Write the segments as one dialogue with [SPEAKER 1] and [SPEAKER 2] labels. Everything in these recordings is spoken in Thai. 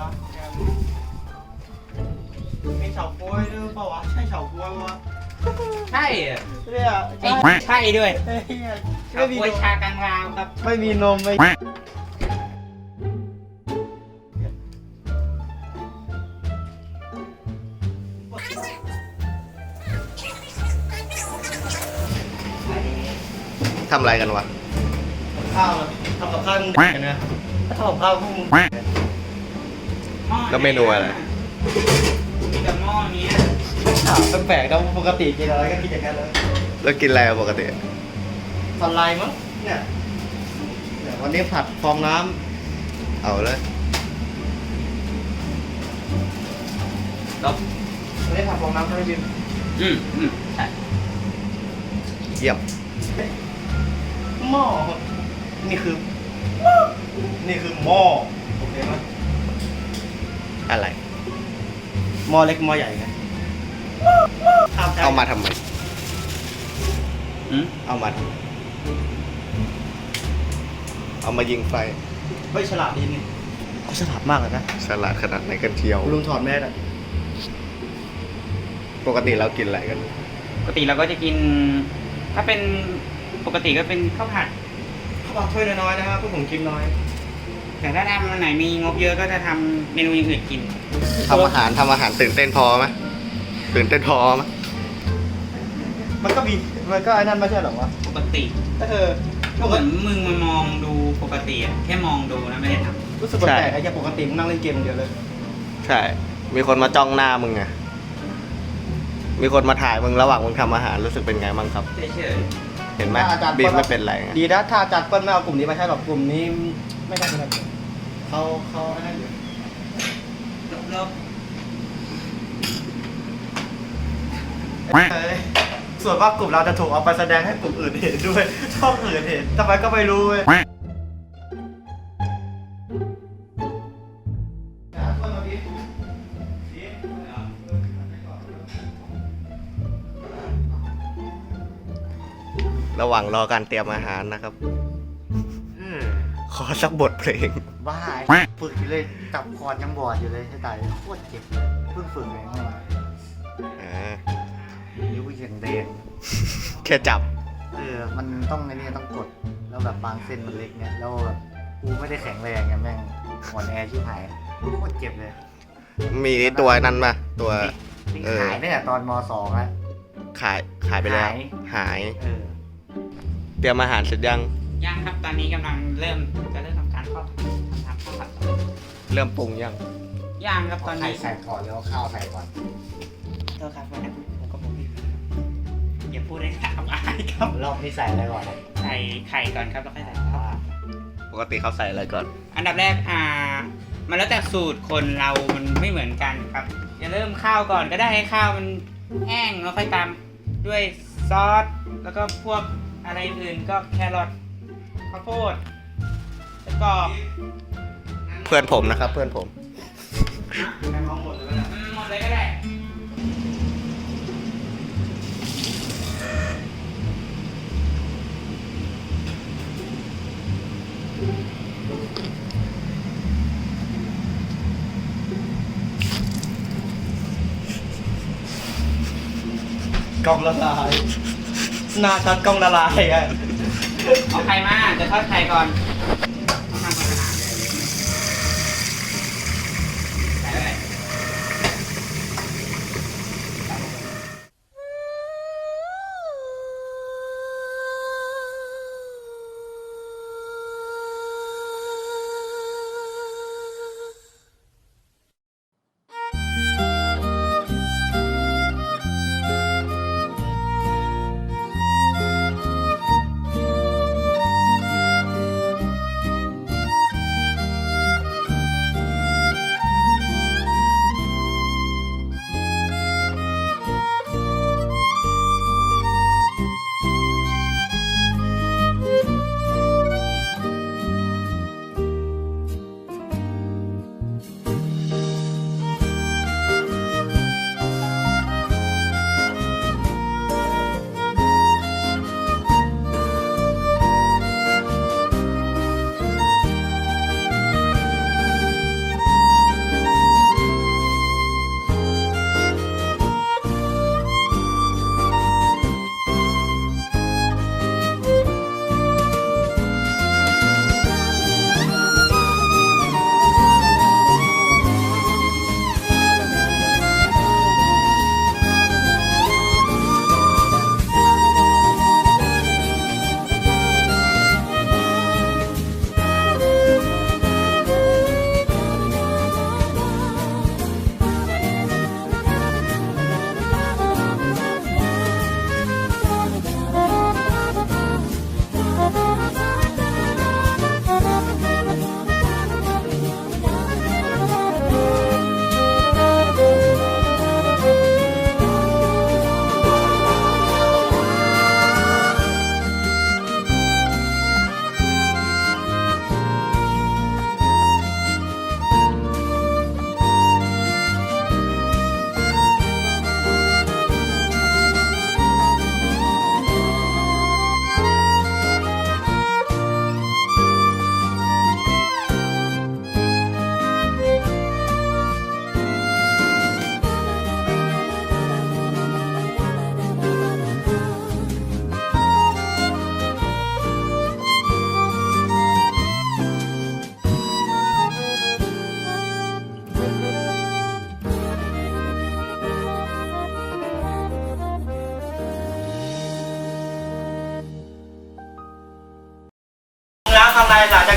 [SPEAKER 1] มีเฉาก๊วยด้วยเปล่าวะใช่เฉาก๊วยวะ
[SPEAKER 2] ใช่อะ
[SPEAKER 1] เนี่ยใช่
[SPEAKER 2] ใช่ด้วย
[SPEAKER 1] ไม่มี
[SPEAKER 2] กล้วยชากลางราวครับ
[SPEAKER 1] ไม่มีนมไม่
[SPEAKER 3] ทำอะไรกันวะ
[SPEAKER 1] ข้าวทำกับข้าวมึงนะถ้าทำกับข้าวพวกมึง
[SPEAKER 3] แล้วเมนูอะไร
[SPEAKER 2] มีแต่หม้อนี้
[SPEAKER 1] ถามแปลกๆนะปกติกินอะไรก็กินอย่างนั้นเลย
[SPEAKER 3] แล้วกินอะไรปกติ
[SPEAKER 1] สไลด์มั้งเนี่ยวันนี้ผัดฟองน้
[SPEAKER 3] เอาเลย
[SPEAKER 1] ำวันนี้ผัดฟองน้ำใช่ไหมบิม
[SPEAKER 2] ใช่
[SPEAKER 3] เยี่ยม
[SPEAKER 1] หม้อนี่คือหม้อโอเคไหม
[SPEAKER 3] อะไร
[SPEAKER 1] หม้อเล็กหม้อใหญ่ไง
[SPEAKER 3] เอามาทำไม
[SPEAKER 2] อืม
[SPEAKER 3] เอามาทำไมเอามายิงไฟ
[SPEAKER 1] เฮ้ยฉลาดดีนี่เขาฉลาดมากเลยนะ
[SPEAKER 3] ฉลาดขนาดไหนกันเที่ยว
[SPEAKER 1] ลุงถอดแมสอ่ะ
[SPEAKER 3] ปกติเรากินอะไรกัน
[SPEAKER 2] ปกติเราก็จะกิน ถ้าเป็นปกติก็เป็นข้าวผัด
[SPEAKER 1] เขาบอกถ้วยน้อยๆนะครับพวกผมกินน้อย
[SPEAKER 2] แต่ถ้าทำวันไหนมีงบเยอะก็จะทำเมนูอย่างอื่นกิน
[SPEAKER 3] ทำอาหารตื่นเต้นพอไหมตื่นเต้นพอไหม
[SPEAKER 1] มันก็ไอ้นั่นไม่ใช่หรอวะ
[SPEAKER 2] ปกติ
[SPEAKER 1] ก็
[SPEAKER 2] เหมือนมึงมามองดูปกติอะแค่มองดูนะไม่ได้ทำ
[SPEAKER 1] รู้สึกแปลกๆไอ้ยังปกติมึงนั่งเล่นเกมอย่างเดียวเลย
[SPEAKER 3] ใช่ มีคนมาจ้องหน้ามึงไง มีคนมาถ่ายมึงระหว่างมึงทำอาหารรู้สึกเป็นไงบ้างครับ
[SPEAKER 2] เฉย
[SPEAKER 3] เห็นไหม
[SPEAKER 1] ถ้าอาจารย์
[SPEAKER 3] บีมไม่เป็นไรไง
[SPEAKER 1] ดีนะถ้าอาจารย์เปิ้ลไม่เอากลุ่มนี้มาใช้หรอกกลุ่มนี้ไม่ได้เป็นไรเขาไอ้นั่นอยู่
[SPEAKER 2] ๆลบ
[SPEAKER 1] ส่วนว่ากลุ่มเราจะถูกเอาไปแสดงให้กลุ่มอื่นเห็นด้วยช่องอื่นเห็นทำไมก็ไม่รู้เว้ย
[SPEAKER 3] ระหว่างรอการเตรียมอาหารนะครับ ขอสักบทเพลง
[SPEAKER 1] บ้าฝึกอยู่เลยจับคอนยังบอดอยู่เลยใช่ตายโคตรเจ็บเพิ่งฝึกเอง
[SPEAKER 3] อ่า
[SPEAKER 1] นิ้วยังแดง
[SPEAKER 3] แค่จับ
[SPEAKER 1] มันต้องไอ้นี่ต้องกดแล้วแบบบางเส้นมันเล็กเนี่ยแล้วแบบกูไม่ได้แข็งแรงไงแม่งอ่อนแอชิบหายโคตรเจ็บเลย
[SPEAKER 3] มีตัวนั้นปะตัว
[SPEAKER 1] ขายตั้งแต่ตอนม .2 แล้ว
[SPEAKER 3] ขายไปแล้ว หาย เตรียมอาหารเสร็จยัง
[SPEAKER 2] ย่างครับตอนนี้กำลังเริ่มทำการทำข้าวผัด
[SPEAKER 3] เริ่มปรุงยัง
[SPEAKER 2] ย่างครับตอน
[SPEAKER 1] ไข่
[SPEAKER 2] นี้
[SPEAKER 1] ใส่ก่อนแล้วข้าวใส่ก่อน
[SPEAKER 2] เท่าครับวันนั้นผมก็บอกพี่อย่าพูดให้ข่าวอายครับ
[SPEAKER 1] รอบนี้ใส่อะไรก่อน
[SPEAKER 2] ใส่ไข่ก่อนครับแล้วค่อยใส่ข้าวผัด
[SPEAKER 3] ปกติเขาใส่อะไรก่อน
[SPEAKER 2] อันดับแรกมันแล้วแต่สูตรคนเรามันไม่เหมือนกันครับอย่าเริ่มข้าวก่อนก็ได้ให้ข้าวมันแห้งแล้วค่อยตามด้วยซอสแล้วก็พวกอะไรอื่นก็แครอทข้าวโพดแล้วก็
[SPEAKER 3] เพื่อนผมนะครับ เพื่อนผม
[SPEAKER 2] หมดเลยก็ได้
[SPEAKER 1] กล้องละลายหน้าชัดกล้องละลายอ่ะ
[SPEAKER 2] เอาไข่มาจะทอดไข่ก่อนต้องทำเป็นอาหารเลยใส่เลย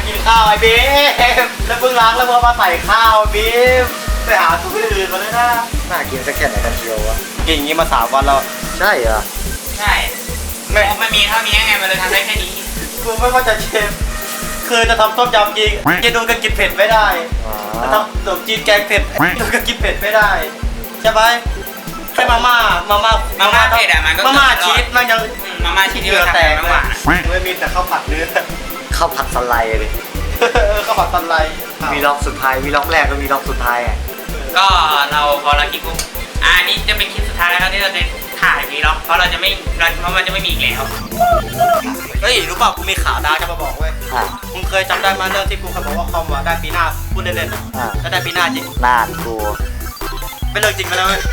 [SPEAKER 3] กินข้าวไอ้บีมแล้วเพิ่งล้างแล้วเพิ่งมาใส่ข้าวบีมไปหาตัวอื่นมาเลยนะ
[SPEAKER 1] น่ากินสักแค่ไหนกันเชียววะ
[SPEAKER 3] กินอย่างนี้มา3 วันแล้ว
[SPEAKER 1] ใช่เหรอ
[SPEAKER 2] ใช่มันมีเท่านี้ไงมันเลยทำได้แค่นี้
[SPEAKER 3] กูไม่ว่าจะเชฟคือจะทำต้มยำกินเจนูก็กินเผ็ดไม่ได้
[SPEAKER 1] อ๋อ
[SPEAKER 3] จะทำขนมจีนแกงเผ็ดเจนูก็กินเผ็ดไม่ได้ใช่ไหมแค่มาม่า
[SPEAKER 2] เผ็ดอะมันก็
[SPEAKER 3] มาม่าชีสมันยัง
[SPEAKER 2] มาม่าชีสที่เราทำเป็นมากกว่า
[SPEAKER 3] ไม่มีแต่ข้าวผัดเนื้อ
[SPEAKER 1] ข้าวผัดสไลด์เลย
[SPEAKER 3] ข้าวผัดตันไร
[SPEAKER 1] วีล็อกสุดท้ายวีล็อกแรกก็วีล็อกสุดท้ายอ่ะ
[SPEAKER 2] ก็เราพอเราคิดปุ๊บอันนี้จะเป็นคลิปสุดท้ายแล้วครับที่เราจะถ่ายวีล็อกเพราะเราจะไม่เพราะมันจะไม่มีอีกแล้ว
[SPEAKER 3] เฮ้ยรู้เปล่ากูมีข่าวดาวจะมาบอกเว้ย
[SPEAKER 1] อ่ะ
[SPEAKER 3] มึงเคยจำได้ไหมเรื่องที่กูเคยบอกว่าคอมได้ปีหน้าพูดเล่นๆนะ
[SPEAKER 1] อ่ะ
[SPEAKER 3] แล้วได้ปีหน้าจริง
[SPEAKER 1] น่านกู
[SPEAKER 3] ไม่เรื่องจริงไปแล้วเว้ย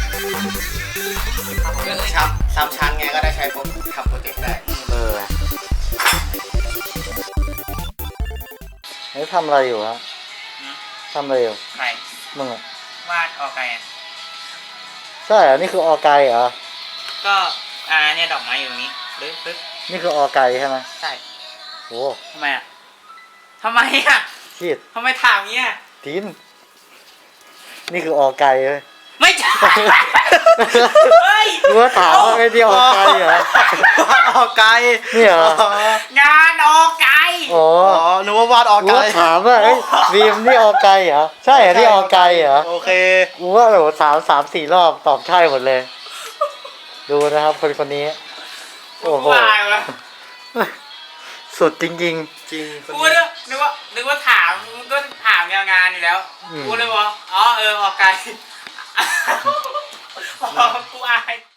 [SPEAKER 3] ซ้ำชั้นไงก็ได้ใช้ปุ๊บทำโปรเจกต์ได้
[SPEAKER 1] เออเฮ้ยทำอะไรอยู่ฮะทำอะไรอยู่
[SPEAKER 2] ใคร
[SPEAKER 1] มึงอ่ะ
[SPEAKER 2] วาดออกไงอ่ะ
[SPEAKER 1] ใช่เหรอนี่คือออไกเหรอ
[SPEAKER 2] ก็เนี่ยดอกไม้อยู่ตรงนี้ปึ๊บ
[SPEAKER 1] นี่คือออไกใช่ไหม
[SPEAKER 2] ใช่
[SPEAKER 1] โอ้
[SPEAKER 2] ทำไมอ่ะทำไมอ่ะ
[SPEAKER 1] ชีด
[SPEAKER 2] ทำไมถามเงี้ย
[SPEAKER 1] ทีนนี่คือออไกเลย
[SPEAKER 2] ไม่ใช่เฮ้ย
[SPEAKER 1] กูว่าถามว่าไอ้เดียวออไกเหรอ
[SPEAKER 3] ออกไกล
[SPEAKER 1] นี่เหรอ
[SPEAKER 2] งานออกไกล
[SPEAKER 1] โอ้
[SPEAKER 3] อ๋อนึกว่าวาดออก
[SPEAKER 1] กู
[SPEAKER 3] ไกล
[SPEAKER 1] ว่าถามว่าเอ้ยบีมนี่ออไกเหรอใช่เหรอนี่ออไกเหรอ
[SPEAKER 3] โอเค
[SPEAKER 1] กูว่าโหสามสี่รอบตอบใช่หมดเลย ดูนะครับคนนี้ โอ้โห
[SPEAKER 2] วายวะ
[SPEAKER 1] สุดจริง
[SPEAKER 3] จริง
[SPEAKER 2] กูนึกว่าถามมึงก็ถามงานอยู่แล้ว
[SPEAKER 1] อืม
[SPEAKER 2] กูเลยบอกอ๋อออกไกล กูอาย